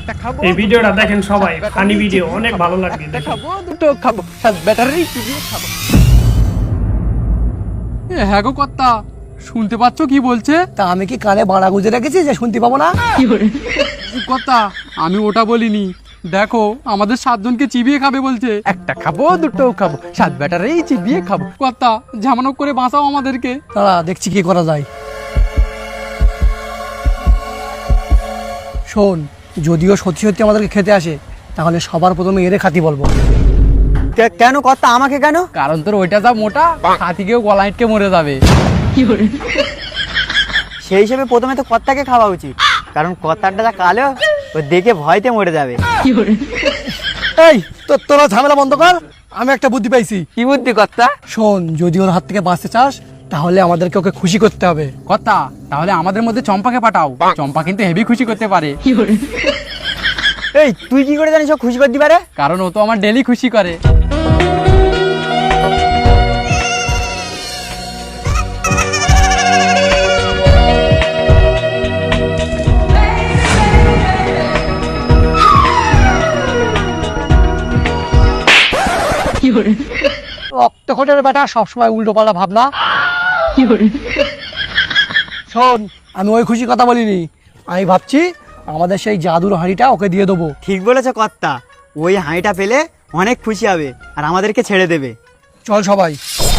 এই ভিডিওটা দেখেন সবাই, ফানি ভিডিও, অনেক ভালো লাগবে। খাবো দুটো খাবো, ব্যাটারি চিবিয়ে খাবো। হ্যাঁ গো কর্তা, শুনতে পাচ্ছ কি বলছে? তা আমি কি কানে বাড়া গুজে রেখেছি যে শুনতে পাবো না? কর্তা আমি ওটা বলিনি, দেখো আমাদের 7 জনকে চিবিয়ে খাবে বলছে। একটা খাবো দুটো খাবো, 7 ব্যাটারি চিবিয়ে খাবো। কর্তা ঝামানো করে বাঁচাও আমাদেরকে। দাঁড়া দেখছি কি করা যায়। শোন, যদিও সত্যি সত্যি আমাদেরকে খেতে আসে, তাহলে সবার প্রথমে এরে খাতি বলবো। কেন কর্তা, আমাকে কেন? কারণ তোর ওইটা যা মোটা, হাতিকেও গলা আটকে মরে যাবে। সেই হিসেবে প্রথমে তো কর্তাকে খাওয়া উচিত, কারণ কর্তারটা যা কালো, ও দেখে ভয়তে মরে যাবে। এই তোরা ঝামেলা বন্ধ কর, আমি একটা বুদ্ধি পাইছি। কি বুদ্ধি কর্তা? শোন, যদি ওর হাত থেকে বাঁচতে চাস, তাহলে আমাদেরকে ওকে খুশি করতে হবে। কর্তা তাহলে আমাদের মধ্যে চম্পাকে পাঠাও, চম্পা কিন্তু হেভি খুশি করতে পারে। এই তুই কি করে জানিস ও খুশি করতে পারে? কারণ ও তো আমার ডেলি খুশি করে। রক্তকোটের বেটা সবসময় উল্টো পাল্টা ভাবনা। শোন, আমি ওই খুশি কথা বলিনি, আমি ভাবছি আমাদের সেই জাদুর হাঁড়িটা ওকে দিয়ে দেবো। ঠিক বলেছে কর্তা, ওই হাঁড়িটা পেলে অনেক খুশি হবে আর আমাদেরকে ছেড়ে দেবে। চল সবাই।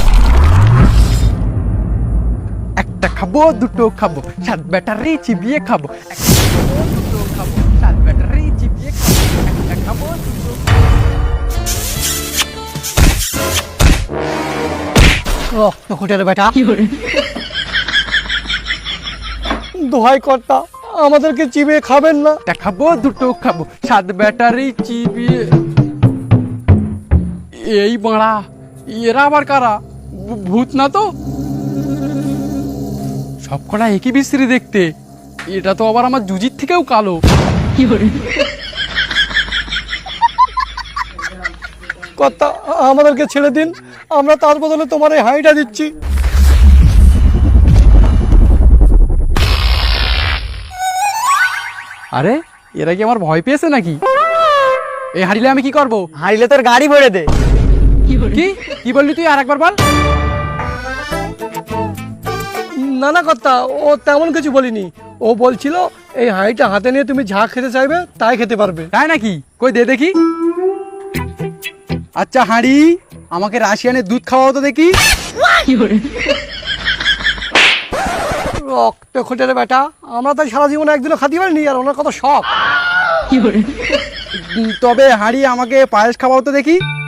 একটা খাবো দুটো খাবো, 7 ব্যাটারি চিবিয়ে খাবো। একটা খাবো দুটো খাবো, 7 ব্যাটারি চিবিয়ে খাবো। একটা খাবো দুটো রক্তকোটের বেটা, দোহাই কর্তা, আমাদেরকে চিবিয়ে খাবেন না। একটা খাবো দুটো খাবো, 7 ব্যাটারি চিবিয়ে। এই বাড়া, এরা আবার কারা? ভূত না তো? সবকটা একই বিশ্রী দেখতে, এটা তো আবার আমার জুজির থেকেও কালো। কর্তা আমাদেরকে ছেড়ে দিন, আমরা তার বদলে তোমার এই হাঁড়িটা দিচ্ছি। আরে এরা কি আমার ভয় পেয়েছে নাকি? এই হারিলে আমি কি করব? হাঁড়িলে তোর গাড়ি ভরে দে। কি কি বললি তুই? আর একবার বল। না না কর্তা, ও তেমন কিছু বলিনি। ও বলছিল এই হাঁড়িটা হাতে নিয়ে তুমি যা খেতে চাইবে তাই খেতে পারবে। তাই নাকি? কই দে দেখি। আচ্ছা হাঁড়ি, আমাকে রাশিয়ানের দুধ খাওয়াও তো দেখি। রক্তকোটের বেটা, আমরা তাই সারা জীবনে একদিনও খাতে পারিনি, আর ওনার কত শখ। তবে হাঁড়ি আমাকে পায়েস খাওয়াও তো দেখি।